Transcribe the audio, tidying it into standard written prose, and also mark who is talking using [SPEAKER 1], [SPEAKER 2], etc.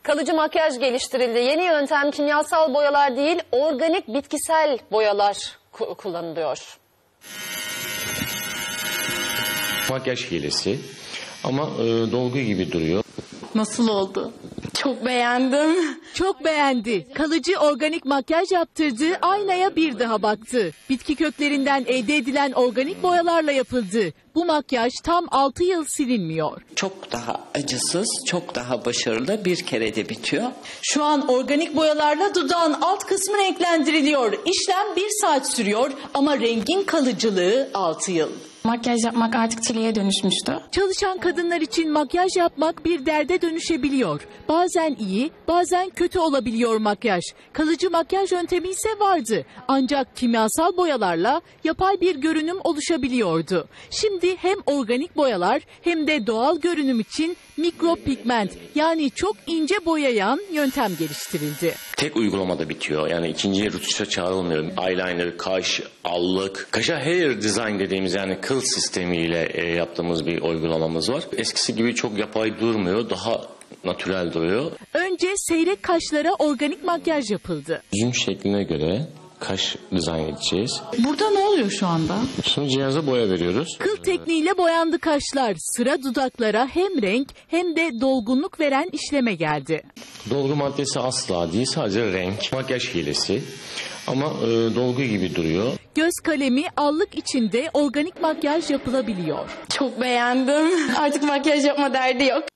[SPEAKER 1] Kalıcı makyaj geliştirildi. Yeni yöntem kimyasal boyalar değil, organik bitkisel boyalar kullanılıyor.
[SPEAKER 2] Makyaj hilesi ama dolgu gibi duruyor.
[SPEAKER 3] Nasıl oldu? Çok beğendim.
[SPEAKER 4] Çok beğendi. Kalıcı organik makyaj yaptırdı, aynaya bir daha baktı. Bitki köklerinden elde edilen organik boyalarla yapıldı. Bu makyaj tam 6 yıl silinmiyor.
[SPEAKER 5] Çok daha acısız, çok daha başarılı, bir kerede bitiyor.
[SPEAKER 3] Şu an organik boyalarla dudağın alt kısmı renklendiriliyor. İşlem 1 saat sürüyor ama rengin kalıcılığı 6 yıl.
[SPEAKER 6] Makyaj yapmak artık çileye dönüşmüştü.
[SPEAKER 4] Çalışan kadınlar için makyaj yapmak bir derde dönüşebiliyor. Bazen iyi, bazen kötü olabiliyor makyaj. Kalıcı makyaj yöntemi ise vardı. Ancak kimyasal boyalarla yapay bir görünüm oluşabiliyordu. Şimdi hem organik boyalar hem de doğal görünüm için mikropigment yani çok ince boyayan yöntem geliştirildi.
[SPEAKER 2] Tek uygulamada bitiyor. Yani ikinciye rutuşa çağrılmıyor. Eyeliner, kaş, allık, kaşa hair design dediğimiz yani kıl sistemiyle yaptığımız bir uygulamamız var. Eskisi gibi çok yapay durmuyor. Daha natürel duruyor.
[SPEAKER 4] Önce seyrek kaşlara organik makyaj yapıldı.
[SPEAKER 2] Yüzün şekline göre kaş dizayn edeceğiz.
[SPEAKER 3] Burada ne oluyor şu anda?
[SPEAKER 2] Şimdi cihaza boya veriyoruz.
[SPEAKER 4] Kıl tekniğiyle boyandı kaşlar. Sıra dudaklara hem renk hem de dolgunluk veren işleme geldi.
[SPEAKER 2] Dolgu maddesi asla değil, sadece renk. Makyaj hilesi ama dolgu gibi duruyor.
[SPEAKER 4] Göz kalemi, allık içinde organik makyaj yapılabiliyor.
[SPEAKER 6] Çok beğendim. Artık makyaj yapma derdi yok.